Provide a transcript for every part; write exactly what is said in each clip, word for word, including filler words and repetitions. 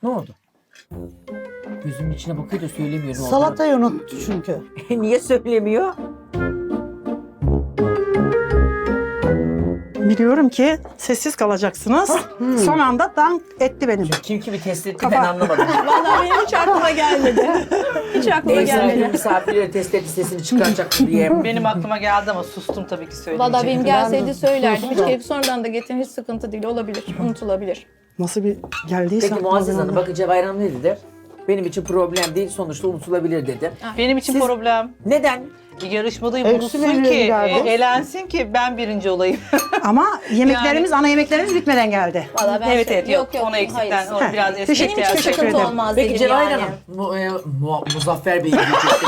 Ne oldu? Gözümün içine bakıyor da söylemiyor. Ne oldu? Salatayı unuttu çünkü. Niye söylemiyor? Biliyorum ki sessiz kalacaksınız. Son anda dank etti benim. Kim kimi test etti Kafa. ben anlamadım. Vallahi benim hiç aklıma gelmedi. Hiç aklıma Ev sahibi gelmedi. misafirleri test etti sesini çıkaracak diye. Benim aklıma geldi ama sustum tabii ki söyleyince. Vallahi benim gelseydi Ben- söylerdim. Hiç keyif sonradan da getirin, hiç sıkıntı değil. Olabilir, unutulabilir. Nasıl bir geldiyse. Peki Muazzez Hanım bakın Cevahir Hanım ne dedi? Benim için problem değil sonuçta unutulabilir dedi. Benim için Siz- problem. Neden? Yarışmadayım Eksi unutsun menüye ki, geldi. e, elensin ki ben birinci olayım. Ama yemeklerimiz, ana yemeklerimiz bitmeden geldi. Vallahi ben evet şey- evet yok, ona eksikten, hayır. onu Heh, biraz teşekkür- eksik Benim için Teşekkür sıkıntı ederim. olmaz Peki dedim Cevahir yani. Hanım, Mu, e, Mu- Muzaffer Bey diyecektim.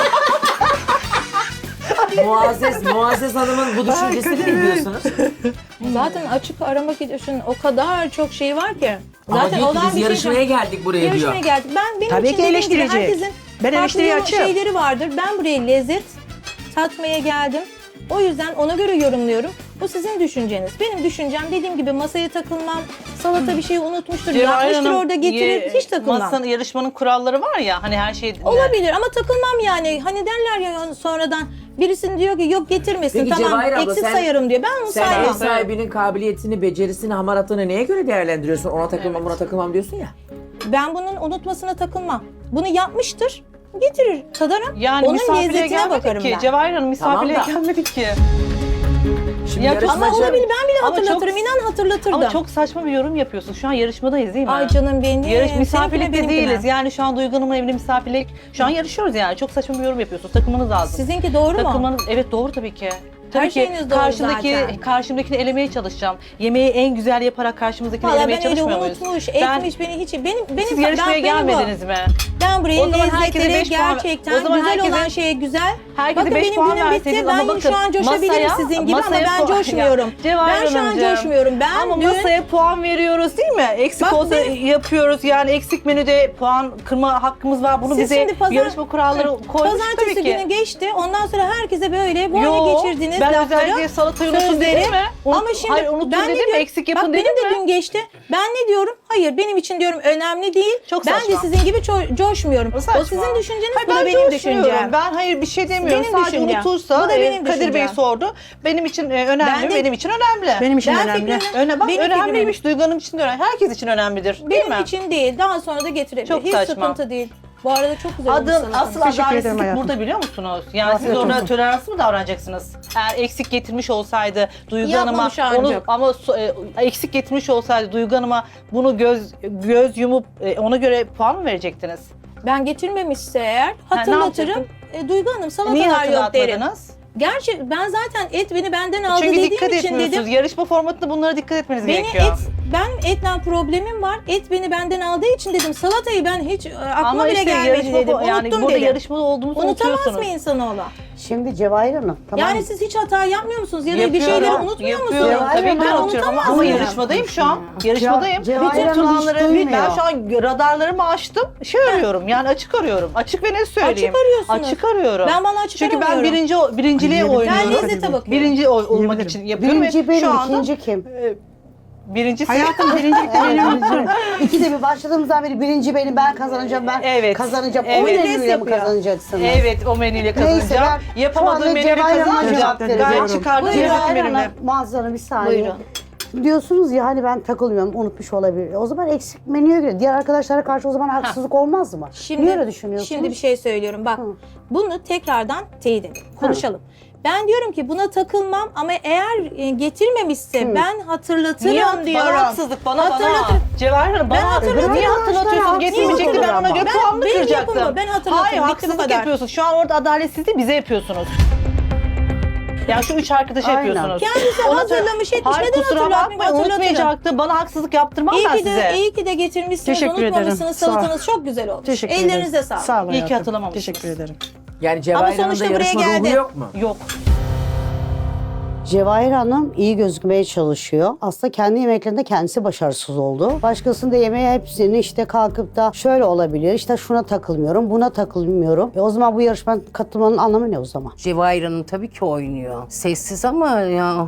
Muazzez, Muazzez Hanım'ın bu düşüncesini ne diyorsunuz? Zaten açık aramak için o kadar çok şey var ki. Ama Zaten diyor ki olan biz bir şey yarışmaya yok. geldik buraya Yarışmaya diyor. geldik. Ben benim Tabii için ki dediğim gibi eleştirecek. herkesin Ben eleştiriye farklı açığım. şeyleri vardır. Ben buraya lezzet tatmaya geldim. O yüzden ona göre yorumluyorum. Bu sizin düşünceniz. Benim düşüncem dediğim gibi masaya takılmam, salata bir şeyi unutmuştur, Cevahir yapmıştır Hanım, orada getirir, ye- hiç takılmam. Masanın, yarışmanın kuralları var ya hani her şey... Olabilir ama takılmam yani. Hani derler ya sonradan birisinin diyor ki yok getirmesin Peki tamam Cevahir abla, eksik sen- sayarım diyor. Ben onu Sen ev saymam. sahibinin kabiliyetini, becerisini, hamaratını neye göre değerlendiriyorsun? Ona takılmam, buna takılmam diyorsun ya. Ben bunun unutmasına takılmam. Bunu yapmıştır, getirir, tadarım. Yani Onun misafirliğe lezzetine gelmedik bakarım ki. ben. Cevahir Hanım misafirliğe Tamam da- gelmedik ki. Şimdi Ya yarışmacı... Ama olabilir ben bile Ama hatırlatırım, çok- inan hatırlatırdım. Ama çok saçma bir yorum yapıyorsun. Şu an yarışmadayız değil mi? Ay canım benim. Yarış Seninkine, misafirlikte benimkine. değiliz. Yani şu an Duygu Hanım'ın evine misafirlik. Şu an yarışıyoruz yani. Çok saçma bir yorum yapıyorsunuz. Takılmanız lazım. Sizinki doğru mu? Takılmanız, evet doğru tabii ki. Tabii Her ki şeyiniz doğru karşımdaki zaten. karşımdakini elemeye çalışacağım. Yemeği en güzel yaparak karşımızdakini Valla elemeye ben öyle çalışmıyor muyuz? unutmuş, Ben- etmiş beni hiç. Benim benim Siz yarışmaya ben, benim bu. gelmediniz mi? Ben buraya O zaman herkese lezzetlere beş puan- gerçekten o zaman güzel herkese- olan şeye güzel. Herkese Bakın beş benim puan günüm bitti. verseydiniz Ben ama bakın, şu an coşabilirim masaya- sizin gibi ama masaya ben puan- coşmuyorum. Ya, Cevahir Ben şu an Hanımcığım, coşmuyorum. Ben Ama dün masaya puan veriyoruz değil mi? Eksik Bak olsa benim- yapıyoruz. Yani eksik menüde puan kırma hakkımız var. Bunu Siz bize şimdi pazar- yarışma kuralları koymuş pazartesi tabii ki. günü geçti. Ondan sonra herkese böyle bu Yo, hale geçirdiniz ben lafları. özellikle salatayı unutun sözleri. dedim mi? Unut- Ama şimdi hayır unutun ben ne dedim mi? diyorum? Eksik yapın Bak dedim benim de mi? dün geçti. Ben ne diyorum? Hayır benim için diyorum önemli değil. Çok ben de saçma. sizin gibi ço- coşmuyorum. O O, saçma. sizin düşünceniz, Hayır, bu da ben benim coşmuyorum. düşüncem. Ben hayır bir şey demiyorum. Benim Sadece düşüncem. unutursa Bu da e, benim Kadir Bey düşüncem. sordu. Benim için e, önemli, Ben de- benim için önemli. Benim için Ben önemli. fikrimi- Öne, bak benim önemliymiş. Duygu Hanım için de önemli. Herkes için önemlidir. Değil Benim mi? için değil. Daha sonra da getirebilir. Çok Hiç saçma. sıkıntı değil. Bu arada çok güzel olmuş Adın salatanız. asıl Teşekkür ederim adaletsizlik hayatım. burada biliyor musunuz? Yani Afiyet siz orada olsun. toleranslı mı davranacaksınız? Eğer eksik getirmiş olsaydı Duygu Hanım'a Yapmamış onu ancak. ama so- e, eksik getirmiş olsaydı Duygu Hanım'a bunu göz göz yumup e, ona göre puan mı verecektiniz? Ben getirmemişse eğer hatırlatırım. yapacaktın? E, Duygu Hanım Niye salatalar yok derim. hatırlatmadınız? Gerçi ben zaten et beni benden aldı Çünkü dediğim dikkat için etmiyorsunuz. dedim. Yarışma formatında bunlara dikkat etmeniz Beni gerekiyor. et, ben etle problemim var. Et beni benden aldığı için dedim. Salatayı ben hiç e, aklıma Ama bile işte gelmedi yarışma dedim. fo- yani Unuttum burada dedim. yarışmada olduğumuzu Unutamaz unutuyorsunuz. mı insanoğlu? Şimdi Cevahir Hanım tamam. Yani siz hiç hata yapmıyor musunuz? Ya da bir Yapıyorum, şeyleri unutmuyor yapıyorum. musunuz? Tabii ki Ben unutuyorum ama, unutamaz ama mıyım? yarışmadayım şu an. Yarışmadayım. Cevahir Bütün Hanım hiç puanları ben duymuyor. şu an radarlarımı açtım. Şey arıyorum yani açık arıyorum. Açık ve ne söyleyeyim? Açık arıyorsunuz. Açık arıyorum. Ben bana açık Çünkü ben aramıyorum. birinci birinciliğe Ay, yemin Ben oynuyorum. ederim. lezzete bakıyorum. Birinci ol- olmak ederim. için yapıyorum Birinci ve benim, şu anda ikinci kim? birincisi. Hayatım birincilikte benim. İkide bir başladığımızdan beri birinci benim, ben kazanacağım, ben Evet. kazanacağım. Evet. O Vites menüyle mi yapıyor. kazanacaksınız? Evet o menüyle Neyse, kazanacağım. ben Yapamadığım şu anda menüyle Cevahir Hanım'a kazanacağım. cevap Gayet veriyorum. çıkardım Buyurun. cennet Cevahir menümle. Hanım, Muazzez bir saniye. Buyurun. Diyorsunuz ya hani ben takılmıyorum, unutmuş olabilir. O zaman eksik menüye göre diğer arkadaşlara karşı o zaman haksızlık olmaz mı? Şimdi, Niye öyle düşünüyorsunuz? Şimdi bir şey söylüyorum. Bak Hı. bunu tekrardan teyit edelim. Konuşalım. Ben diyorum ki buna takılmam ama eğer e, getirmemişse ben hatırlatırım Niye hat- diyorum. Bana haksızlık bana bana. Hatırlatırım. Cevahir Hanım bana Ben hatırlatırım. Niye hatırlatırım. hatırlatıyorsunuz? Niye Getirmeyecekti ben ona hatırlatırım göre ama? puanını Ben- benim kıracaktım. yapımı, ben hatırlatırım. Hayır Bitti bu haksızlık kadar. yapıyorsunuz. Şu an orada adaletsizliği bize yapıyorsunuz. Yani şu üç arkadaşa Aynen. yapıyorsunuz. Kendisi Ona- hazırlamış etmiş. Hayır Neden kusura hatırlatmayayım? bakmayın Hatırlatırım. unutmayacaktı. Bana haksızlık yaptırmam İyi ben ki, size. de, iyi ki de getirmişsiniz, Teşekkür ederim. unutmamışsınız. Sağ ol. Salatanız çok güzel olmuş. Teşekkür ederim. Ellerinize sağlık. Sağ olun İyi ki hayatım. hatırlamamışsınız. Teşekkür ederim. Yani Cevahir Hanım'da sonuçta buraya yarışma ruhu geldi. yok mu? Yok. Cevahir Hanım iyi gözükmeye çalışıyor. Aslında kendi yemeklerinde kendisi başarısız oldu. Başkasında yemeği hepsini işte kalkıp da şöyle olabilir, işte şuna takılmıyorum, buna takılmıyorum. E o zaman bu yarışmanın katılmanın anlamı ne o zaman? Cevahir Hanım tabii ki oynuyor. Sessiz ama ya.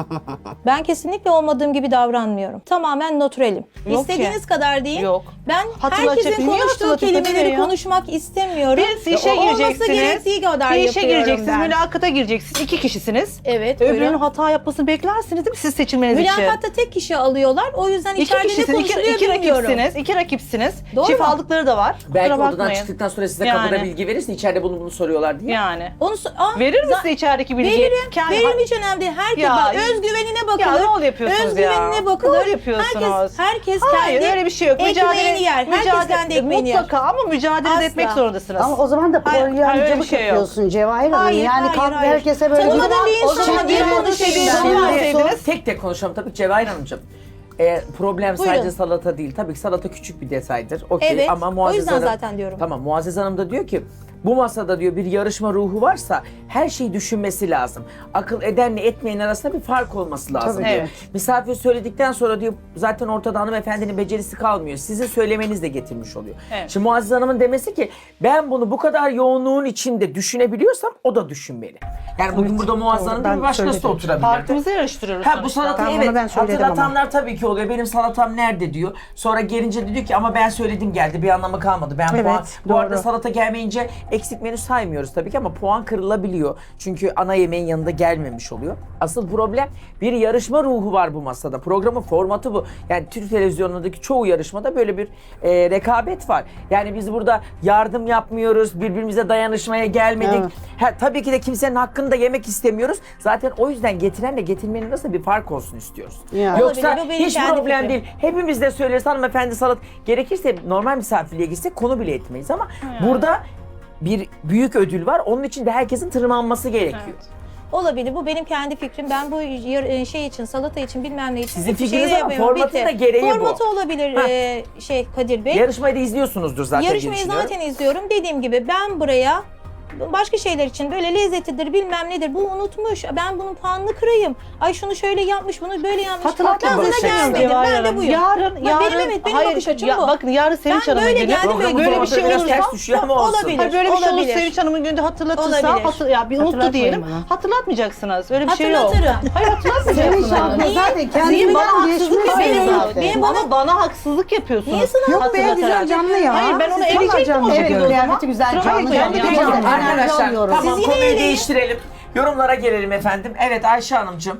Ben kesinlikle olmadığım gibi davranmıyorum. Tamamen natürelim. Yok İstediğiniz ki. kadar değil. Yok. Ben Hatırlatacak- herkesin Niye konuştuğu hatırlatacak kelimeleri ya? konuşmak istemiyorum. Birisi işe O- Olması gireceksiniz. gerektiği kadar Bir işe yapıyorum gireceksiniz, ben. mülakata gireceksiniz. İki kişisiniz. Evet, Öbürünün buyurun. hata yapmasını beklersiniz değil mi siz seçilmeniz için? Mülakatta tek kişi alıyorlar. O yüzden İki içeride ne kişisiniz, iki, konuşuluyor iki bilmiyorum. rakipsiniz, iki rakipsiniz. Doğru Çift mu? aldıkları da var. Belki Kusura odadan bakmayın. çıktıktan sonra size Yani. kapıda bilgi verirsin. İçeride bunu bunu soruyorlar diye. Yani. Onu so- Aa, Verir mi za- size içerideki bilgiyi? Veririm. Kendi- Veririm, hiç önemli değil. Herkes Ya, bak, özgüvenine bakılır. Ya rol yapıyorsunuz ya. Özgüvenine bakılır. Rol yapıyorsunuz. Herkes, herkes Hayır kendi öyle bir şey yok. ekmeğini yer. Herkes mücadele- kendi ekmeğini yer. Mutlaka ama mücadele de Asla. etmek zorundasınız. Ama o zaman da Hayır, hayır, öyle bir polyancılık şey yok. yapıyorsun Cevahir Hanım. Hayır, yani hayır, kalk hayır. herkese böyle Tanımadığın bir- bir O insana zaman niye bir konuşuyorsun? konuşuyorsun. Tek tek konuşalım tabii Cevahir Hanımcığım. E, problem Buyurun. sadece salata değil. Tabii ki salata küçük bir detaydır. Okey. Evet, Ama o Muazzez yüzden Hanım, zaten diyorum. Tamam Muazzez Hanım da diyor ki bu masada diyor bir yarışma ruhu varsa her şeyi düşünmesi lazım. Akıl edenle etmeyen arasında bir fark olması lazım Tabii, diyor. evet. Misafir söyledikten sonra diyor zaten ortada hanımefendinin becerisi kalmıyor. Sizin söylemeniz de getirmiş oluyor. Evet. Şimdi Muazzez Hanım'ın demesi ki ben bunu bu kadar yoğunluğun içinde düşünebiliyorsam o da düşünmeli. Yani bugün burada Muazzez Hanım değil ben bir başkası da söyledim. oturabilirdi. Partimizi yarıştırıyoruz Ha bu sonuçta. salatayı Tamam, evet onu ben söyledim hatırlatanlar tabii ki oluyor. Benim salatam nerede diyor. Sonra gelince de diyor ki ama ben söyledim geldi bir anlamı kalmadı. Ben Evet, puan, bu doğru. arada salata gelmeyince eksik menü saymıyoruz tabii ki ama puan kırılabiliyor. Çünkü ana yemeğin yanında gelmemiş oluyor. Asıl problem bir yarışma ruhu var bu masada. Programın formatı bu. Yani Türk televizyonundaki çoğu yarışmada böyle bir e, rekabet var. Yani biz burada yardım yapmıyoruz. Birbirimize dayanışmaya gelmedik. Evet. Ha, tabii ki de kimsenin hakkını da yemek istemiyoruz. Zaten o yüzden getirenle getirmenin arasında bir fark olsun istiyoruz. Ya. Yoksa Olabilir, bu benim hiç kendi problem fikrim. değil. Hepimiz de söyleriz hanımefendi salat. Gerekirse normal misafirliğe gitsek konu bile etmeyiz ama burada bir büyük ödül var. Onun için de herkesin tırmanması gerekiyor. Olabilir. Bu benim kendi fikrim. Ben bu yar- şey için, salata için bilmem ne için. Sizin hiçbir fikriniz şey ama yapamıyorum. formatın Bitti. da gereği bu. Formatı olabilir Ha. e, şey Kadir Bey. Yarışmayı da izliyorsunuzdur zaten diye Yarışmayı düşünüyorum. zaten izliyorum. Dediğim gibi ben buraya başka şeyler için böyle lezzetidir bilmem nedir bu unutmuş. Ben bunun puanını kırayım. Ay şunu şöyle yapmış bunu böyle yapmış. Hatırlatma Ben buna bakış açısı. gelmedim. Cevahir Ben de Hanım. buyum. Yarın, Bak, yarın, benim evet benim hayır, bakış açım ya, bu. bakın yarın Sevinç Ben Hanım'ın böyle günü. geldim ve Programın Böyle bir formatı şey biraz olursa ters düşüyor ama olsun. olabilir. Hayır, böyle bir şey olursa olabilir. Sevinç Hanım'ın gününde hatırlatırsa, Olabilir. hatır, ya bir unuttu Hatırlatmayın diyelim. bana. Hatırlatmayacaksınız. Öyle bir şey yok. Hatırlatırım. Hayır hatırlatmayacaksınız. Sevinç abla Niye? zaten Sizin kendinden bana geçmiş haksızlık Benim- yapıyorsunuz. zaten. benim- Ama bana haksızlık yapıyorsunuz. Niye sana- Yok be Hatırlatarak. güzel canlı ya. Hayır ben onu Siz vallahi eleyecektim canlı o Evet, şekilde o zaman. kıyafeti güzel, Kusura canlı bakmayın canlı. ya. Peki, Tamam, Enerji arkadaşlar alıyorum. tamam Siz yine konuyu eleyin. değiştirelim. Yorumlara gelelim efendim. Evet Ayşe Hanımcığım.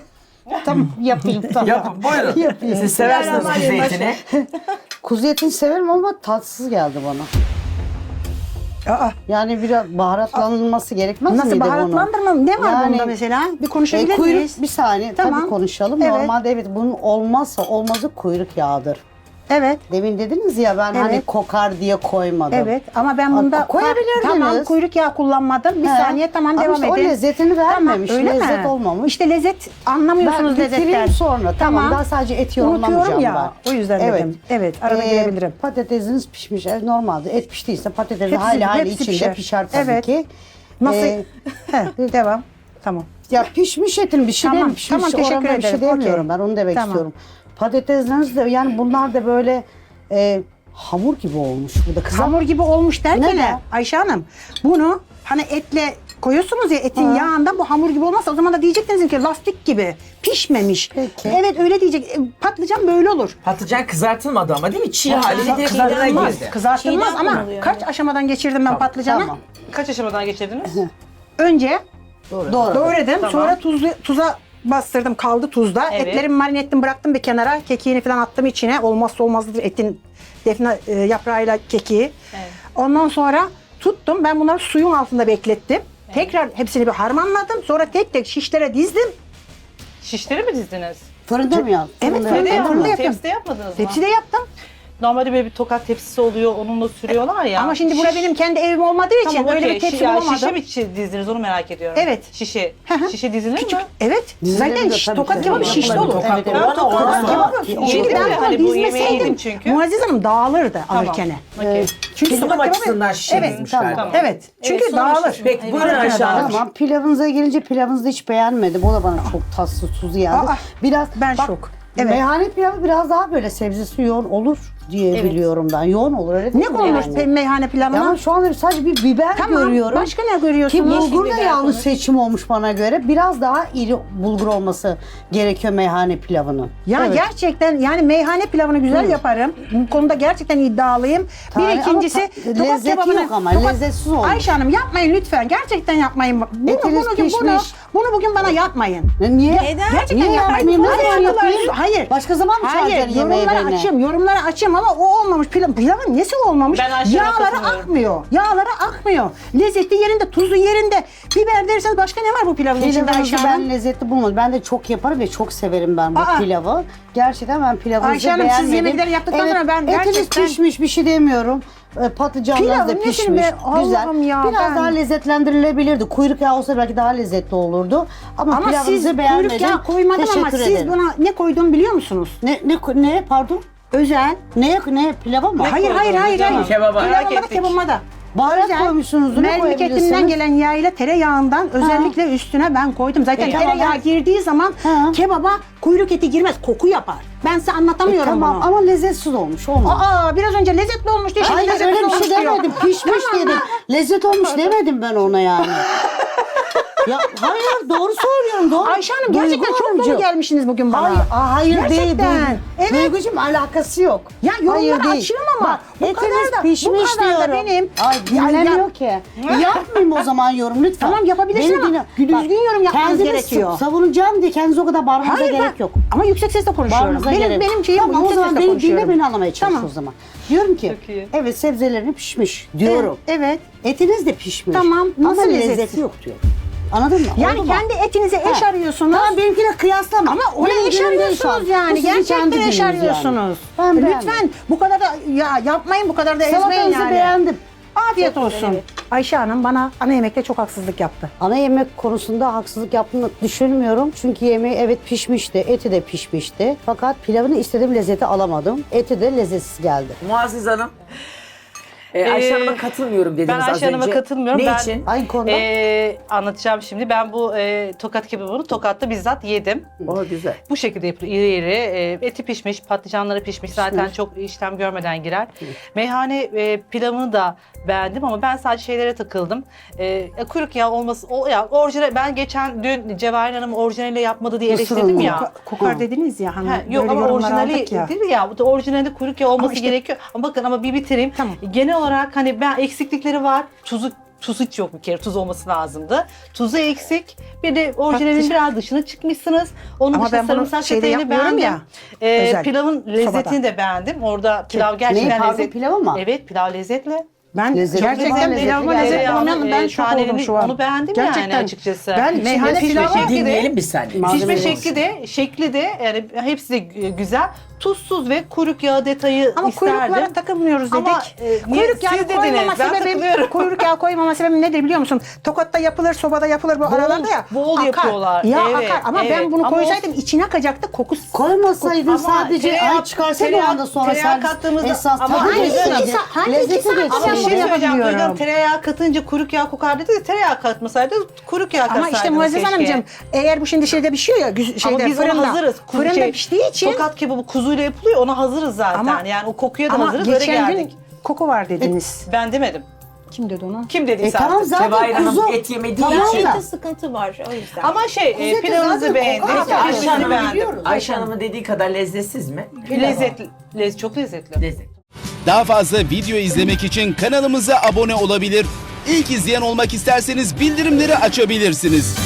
Tamam yapayım tamam. Yapın buyurun. Yapayım. Siz seversiniz kuzu Bismillahirrahmanirrahim. etini. Kuzu etini severim ama tatsız geldi bana. Aa, Yani biraz baharatlanılması gerekmez miydi nasıl bunun? baharatlandırmam? Ne var Yani- bunda mesela? Bir E, konuşabilir kuyruk, miyiz? bir saniye Tamam. tabii konuşalım. Evet. Normalde evet bunun olmazsa olmazı kuyruk yağıdır. Evet. Demin dediniz ya ben hani Evet. kokar diye koymadım. Evet ama ben Aa, bunda koyabilirdiniz. Tamam kuyruk yağı kullanmadım. Bir He. saniye tamam Ama devam işte edin. o lezzetini vermemiş, öyle mi? lezzet olmamış. İşte lezzet Ben anlamıyorsunuz bitireyim lezzetten. sonra. Tamam. Daha sadece eti yorumlamayacağım Unutuyorum ya. ben. O yüzden dedim. Evet arada Ee, girebilirim. Patatesiniz pişmiş. Evet, normalde et piştiyse patatesin Hepsi- hali hali hepsi içinde pişer. pişer, tabii Evet. ki. Nasıl? Ee, He, devam. Tamam. ya pişmiş etin bir şey Tamam, değil pişmiş. tamam, teşekkür Oranına bir şey ederim. demiyorum Okey. ben onu demek Tamam. istiyorum. Patatesleriniz de yani bunlar da böyle e, hamur gibi olmuş. Bu da kızar. Hamur gibi olmuş derken Neden? ne? Ayşe Hanım bunu hani etle koyuyorsunuz ya etin Ha. yağında bu hamur gibi olmazsa o zaman da diyecektiniz ki lastik gibi pişmemiş. Peki. Evet öyle diyecek. E, Patlıcan böyle olur. Patlıcan kızartılmadı ama değil mi? Çiğ haliyle direkt fırına Kızartılmaz. girdi. Kızartılmaz Çiğden ama konuluyor, kaç evet. aşamadan geçirdim ben Tamam, patlıcanı? Tamam. Kaç aşamadan geçirdiniz? Önce Doğru. doğradım. Tamam. Sonra tuzlu, tuza bastırdım. Kaldı tuzda. Evet. Etlerimi marine ettim bıraktım bir kenara. Kekiğini falan attım içine. Olmazsa olmazdır etin defne e, yaprağıyla kekiği. Evet. Ondan sonra tuttum. Ben bunları suyun altında beklettim. Tekrar hepsini bir harmanladım. Sonra tek tek şişlere dizdim. Şişleri mi dizdiniz? Fırında mı yaptın? Evet, Fırında fırında yaptın yaptım. mı? yaptım. Tepside yapmadınız mı? Tepside yaptım. normalde böyle bir tokat tepsisi oluyor, onunla sürüyorlar ya. Ama şimdi bura Şiş- benim kendi evim olmadığı için Tamam, öyle okey. bir tepsi Şi- ya, bulamadım. Şişe mi çi- dizdiniz onu merak ediyorum. Evet. Şişe. Hı hı. Şişe dizilir Küçük. mi? Evet. Dizilerim Zaten de şiş- tabii tokat ki. kebabı şişli Yapılır. olur. Evet, evet. Ben tokat Ondan kebabı. sonra- Çünkü ben Yedim, hani bunu bu yemeği dizmeseydim yedim çünkü. Muazzez Hanım dağılırdı alırken. Okey. Ee, Çünkü Sunum tokat kebabı- açısından şişe Evet, dizmiş tamam. galiba. Evet. Çünkü Evet, sonra dağılır. şiş- Peki buyurun Evet, Ayşe Hanım. Tamam, pilavınıza gelince pilavınızı hiç beğenmedim. O da bana çok tatsız, tuzlu geldi. Aa, biraz ben bak, şok. Evet. Meyhane pilavı biraz daha böyle sebzesi yoğun olur diye biliyorum ben. Yoğun olur öyle Ne değil mi konulur yani? pe- meyhane pilavına? Ya ama şu anda sadece bir biber Tamam. görüyorum. Başka ne Ki görüyorsunuz? bulgur da biber yanlış konur. seçim olmuş bana göre. Biraz daha iri bulgur olması gerekiyor meyhane pilavının. Ya Evet. gerçekten yani meyhane pilavını güzel yaparım. Bu konuda gerçekten iddialıyım. Tane- bir ikincisi ama ta- tokat lezzeti kebabını- yok ama, tokat- lezzetsiz olmuş. Ayşe Hanım yapmayın lütfen. Gerçekten yapmayın. Bunu, Etiniz bunu, bunu, pişmiş. bunu bugün bana yapmayın. Ne- Niye? Neden? Gerçekten Niye yapmayın. yapmayayım? Ne Hayır, zaman yapayım? Hayır. Başka zaman mı Hayır, çağıracaksın yemeği yorumları beni? açayım, yorumları açayım ama o olmamış. Pilav, pilavın nesi olmamış? Ben Ayşe'ye Yağları katılıyorum. akmıyor. Yağları akmıyor. Lezzeti yerinde, tuzu yerinde. Biber derseniz başka ne var bu pilavın içinde Pilavınızı Ayşe Hanım? ben lezzetli bulmadım. Ben de çok yaparım ve çok severim ben bu Aa. pilavı. Gerçekten ben pilavınızı Ayşe Hanım, siz beğenmedim. yemekleri yaptıktan evet, sonra ben etiniz gerçekten- pişmiş bir şey demiyorum. E, Patlıcanlarınız Pilavın da nesini pişmiş. be- Güzel. Allah'ım ya, Biraz ben- daha lezzetlendirilebilirdi. Kuyruk yağı olsa belki daha lezzetli olurdu. Ama, Ama pilavınızı siz beğenmedim. kuyruk yağı koymadım ama Teşekkür siz ederim. buna ne koyduğumu biliyor musunuz? Ne, ne, ne pardon? Özel. Ne, ne pilava mı? Hayır hayır koydunuz hayır. canım? hayır. Kebaba. Merak Pilavıma da ettik. kebabıma da. Baharat Özel, koymuşsunuz, ne mercimek koyabilirsiniz? etinden gelen yağ ile tereyağından özellikle üstüne ben koydum. Zaten E, tamam, tereyağı ben- girdiği zaman Ha. kebaba kuyruk eti girmez, koku yapar. Ben size anlatamıyorum Tamam bunu. ama lezzetsiz olmuş. Olmaz. Aa biraz önce lezzetli olmuş diye şimdi Hayır lezzetli öyle bir olmuş şey diyor. demedim. Pişmiş Tamam. dedim. Lezzet olmuş demedim ben ona yani. Ya hayır doğru söylüyorum. Doğru. Ayşe Hanım gerçekten Duygu çok dolu Hanımcığım. gelmişsiniz bugün bana. Hayır, aa, hayır Gerçekten. değil. Evet. Duygucuğum alakası yok. Ya yorumları Hayır değil. açıyorum ama Bak, bu etiniz kadar da- bu pişmiş kadar da diyorum. benim- Ay Ya- dinlemiyor ya- ki. Yapmayayım o zaman yorum lütfen. Tamam, yapabilirsin Beni ama dinle- düzgün yorum yapmanız kendiniz gerekiyor. sa- savunacağım diye kendinize o kadar bağırmanıza Hayır, gerek ben- yok. Ama yüksek sesle konuşuyorum. Bağırmanıza Benim gerek. benim şeyim tamam, bu, o yüksek zaman sesle beni konuşuyorum. dinle beni anlamaya çalış Tamam. o zaman. Diyorum ki Çok iyi. evet sebzelerini pişmiş diyorum. Evet. Etiniz de pişmiş. Tamam, nasıl Ama lezzetli? lezzeti yok diyor. Anladın mı? Yani Oldu mu? kendi etinize eş Ha. arıyorsunuz. Tamam benimkiyle kıyaslama. Ama ona Benim eş günüm değil şu an. arıyorsunuz Bu yani. sizin Gerçekten kendi eş gününüz yani. arıyorsunuz. Ben beğendim. Lütfen bu kadar da ya yapmayın, bu kadar da ezmeyin Salatanızı yani. beğendim. Afiyet Çok olsun. güzel, evet. Ayşe Hanım bana ana yemekte çok haksızlık yaptı. Ana yemek konusunda haksızlık yaptığını düşünmüyorum. Çünkü yemeği evet pişmişti, eti de pişmişti. Fakat pilavını istediğim lezzeti alamadım. Eti de lezzetsiz geldi. Muazzez Hanım. Ee, Ayşe Ee, Hanım'a katılmıyorum dediniz Ben az Ayşe Hanım'a önce. katılmıyorum. Ne ben, için? Aynı konuda. Ee, anlatacağım şimdi. Ben bu e, tokat kebabını Tokat'ta bizzat yedim. O güzel. Bu şekilde yapılıyor. İri iri. E, eti pişmiş, patlıcanları pişmiş. Zaten çok işlem görmeden girer. Meyhane e, pilavını da beğendim ama ben sadece şeylere takıldım. E, kuyruk yağı olması, o ya orijinal. Ben geçen dün Cevahir Hanım orijinaliyle yapmadı diye Mısır eleştirdim unu. ya. Koka- Kokar Hı. dediniz ya hani Ha, yok böyle ama yorumlar orijinali aldık ya. değil ya. Bu da orijinalde kuyruk yağı olması işte- gerekiyor. Ama bakın ama bir bitireyim. Tamam. Genel olarak hani ben eksiklikleri var. Tuzu Tuz hiç yok bir kere. Tuz olması lazımdı. Tuzu eksik. Bir de orijinalin Patlıcan. biraz dışına çıkmışsınız. Onun Ama dışında ben bunu sarımsak şeyde çeteğini yapmıyorum beğendim. ya, Ee, özel, pilavın lezzetini sobada. de beğendim. Orada pilav Neyi gerçekten pardon lezzetli. pilav mı? Evet, pilav lezzetli. Ben Lezzetli gerçekten var, lezzetli pilavıma geldi. lezzet Tereyağının, olmayan ben e, şok oldum tanelerini şu an. onu beğendim yani açıkçası. Ben Şimdi meyhane pişmiş pilavı şekli de- Dinleyelim bir saniye. Malzeme Pişme olsun. şekli de, şekli de yani hepsi de gü- güzel. Tuzsuz ve kuyruk yağı detayı Ama isterdim. kuyruklara takılmıyoruz dedik. Ama, e, niye- kuyruk yağı siz dediniz, koymama ben sebebim, takılıyorum. kuyruk yağı koymama sebebim nedir biliyor musun? Tokat'ta yapılır, sobada yapılır bu Bol- aralarda ya. bol akar. yapıyorlar. Ya Evet, akar ama ben evet. bunu Ama koysaydım içine akacaktı kokusu. Koymasaydın Ama sadece tereyağı- ay çıkarsa bir tereyağı- anda sonra tereyağı servis kattığımızda- esas ama tadı hangi geçseydi. iki sa- hangi iki Lezzeti saat Ama bir Ben şey bunu geçseydi. söyleyeceğim. yapamıyorum. Duydum, tereyağı katınca kuyruk yağı kokar dedi. Tereyağı katmasaydı kuyruk yağı Ama katsaydınız işte Muazzez keşke. Hanımcığım eğer bu şimdi şeyde pişiyor ya güz- şeyde Ama biz fırında. ona hazırız. Kuzu- Fırında şey, piştiği için Tokat kebabı kuzuyla yapılıyor. Ona hazırız zaten. Ama- yani o kokuya da ama hazırız. Öyle geçen gün geldik. koku var dediniz. Ben demedim. Kim dedi onu? Kim dediyse E tamam artık. zaten Cevahir Hanım kuzu. et yemediği Tamam için. da. Ette sıkıntı var o yüzden. Ama şey, e, Kuzu eti pilavınızı zaten beğendim. kokar. Peki Ayşe Pişmesini Hanım'ı beğendim. biliyoruz. Ayşe Hanım'ın dediği kadar lezzetsiz mi? Lezzetli. Lez, çok lezzetli. Lezzetli. Daha fazla video izlemek için kanalımıza abone olabilir. İlk izleyen olmak isterseniz bildirimleri açabilirsiniz.